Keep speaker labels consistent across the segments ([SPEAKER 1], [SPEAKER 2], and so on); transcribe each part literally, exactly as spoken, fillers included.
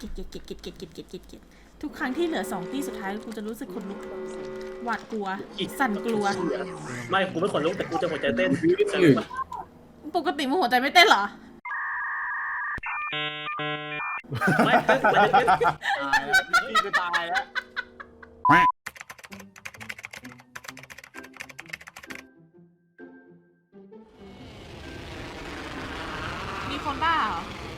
[SPEAKER 1] กลียดเกลียดเกลียดเกลียดเกลียดเกลียดเกลียดเกลียดเกลียดทุกครั้งที่เหลือสองตีสุดท้ายกูจะรู้สึกขนลุกหวาดกลัวสั่นกลัว
[SPEAKER 2] ไม่กูไม่ขนลุกแต่กูจะหัวใจเต้น
[SPEAKER 1] ปกติมึงหัวใจไม่เต้นเหรอ
[SPEAKER 2] ไม่เต้นไม่เต้น
[SPEAKER 3] ตายแล้วพี่ก็ตายแล้ว
[SPEAKER 1] มีคนบ้าเหรอ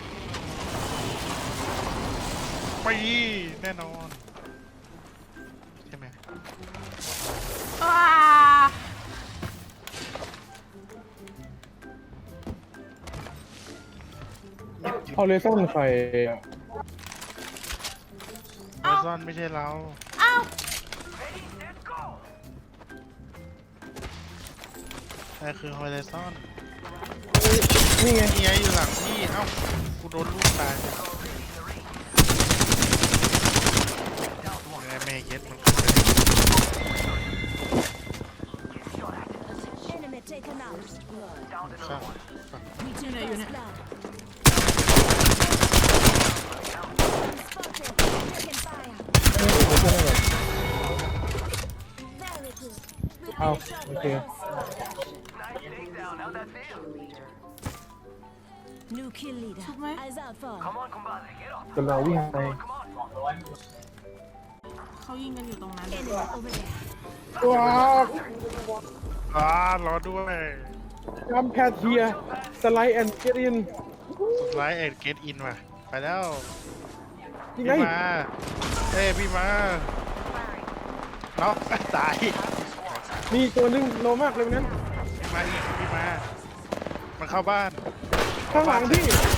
[SPEAKER 4] ปีแน่นอนใช่ไหม
[SPEAKER 1] ว้า
[SPEAKER 5] เอาเลซ่อนใครอะ
[SPEAKER 4] ฮอริซอนไม่ใช่เรา
[SPEAKER 1] อ้าว
[SPEAKER 4] ใช่คือฮอริซอน
[SPEAKER 5] นี่ไง
[SPEAKER 4] นี่ไงอยู่หลังพี่เอ้ากูโดนลูกตายยังไงแม่เย็ดมัน
[SPEAKER 6] Enemy taken out.
[SPEAKER 4] ข้าง
[SPEAKER 1] อยู่ไหนอยู่เนี่ย
[SPEAKER 6] Spotted. Taking fire.
[SPEAKER 5] เฮ้ยเดี๋ยวช่วยให้ก่อน
[SPEAKER 6] Very good.
[SPEAKER 5] เอาโอเค
[SPEAKER 6] New kill leader.
[SPEAKER 1] ถูกไหม
[SPEAKER 6] Eyes out for.
[SPEAKER 5] กำลังวิ่งไป
[SPEAKER 1] เขายิงกันอยู่ตรงนั้น
[SPEAKER 6] Enemy over there.
[SPEAKER 5] ว้าว
[SPEAKER 4] อ่ารอด้วย
[SPEAKER 5] จำแพทเทียสไลด์แอนด์เกตอิน
[SPEAKER 4] ไลท์เอ็ดเกตอินว่ะไปแล้ว
[SPEAKER 5] ยังไง
[SPEAKER 4] พี่มาเอ้ยพี่มาน็อกตาย
[SPEAKER 5] มีตัวหนึงโลมากเลยวันนั้น
[SPEAKER 4] พี่มาอีกพี่มา มันเข้าบ้าน
[SPEAKER 5] ข้างหลังพี่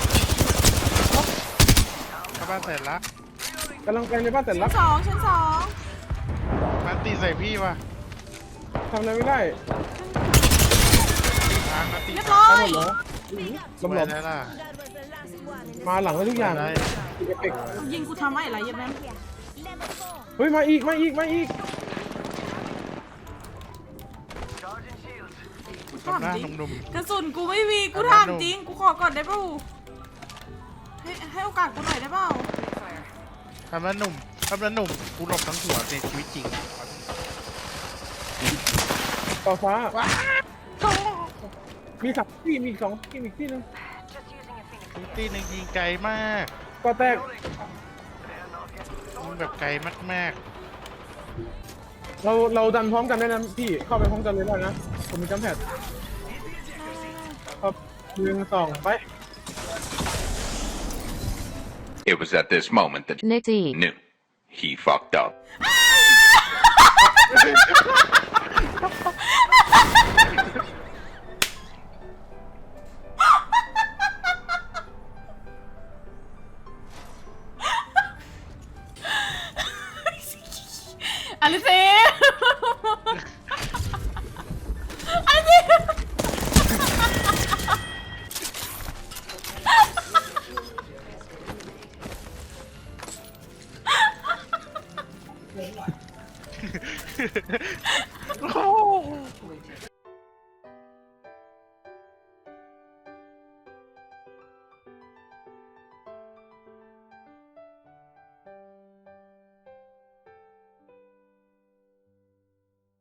[SPEAKER 4] เข้าบ้านเสร็จละ
[SPEAKER 5] กำลังไปในบ้านแต่
[SPEAKER 1] ชั้
[SPEAKER 5] ลั
[SPEAKER 1] น
[SPEAKER 5] ก
[SPEAKER 1] สองชั้นสอง
[SPEAKER 4] มันตีใส่พี่ว่ะ
[SPEAKER 5] ทำอะไรไม่ได้
[SPEAKER 4] ทางนัดตี
[SPEAKER 1] เรียบ
[SPEAKER 4] ทา
[SPEAKER 1] ร้
[SPEAKER 4] ง
[SPEAKER 1] อย
[SPEAKER 5] เหรอ
[SPEAKER 4] สวยแล้วล่ะ
[SPEAKER 6] That was the last one in the
[SPEAKER 5] มาหลังไว้ทุกอย่าง
[SPEAKER 4] ได้
[SPEAKER 5] เอฟเฟกต์
[SPEAKER 1] ยิงกูทำไมอะไรเย็บแม่ง
[SPEAKER 6] here. Level four.
[SPEAKER 5] เฮ้ยมาอีกมาอีกมาอีก
[SPEAKER 1] กูถาม
[SPEAKER 4] ทำหน้า
[SPEAKER 1] จริง
[SPEAKER 4] หนุ่ม
[SPEAKER 1] กระสุนกูไม่มีกูถามจริงกูขอก่อนได้ป่าวให้ให้โอกาสกูหน่อยได้เปล่า
[SPEAKER 4] ๆทำหน้าหนุ่มทำหน้าหนุ่มกูหลบทั้งหัวในชีวิตจริง
[SPEAKER 5] ต่อฟ้า มีสามที่มีอีกสองที่มีอีกที่หนึง
[SPEAKER 4] ตีหนึ่งยิงไกลมาก
[SPEAKER 5] ก็แตก
[SPEAKER 4] ยิงแบบไกลมาก
[SPEAKER 5] เราเราดันพร้อมกันได้นะพี่เข้าไปพร้อมกันเลยได้นะผมมีจำแพทครับหนึ่งสองไป
[SPEAKER 7] It was at this moment that
[SPEAKER 8] Nitty.
[SPEAKER 7] knew he fucked up.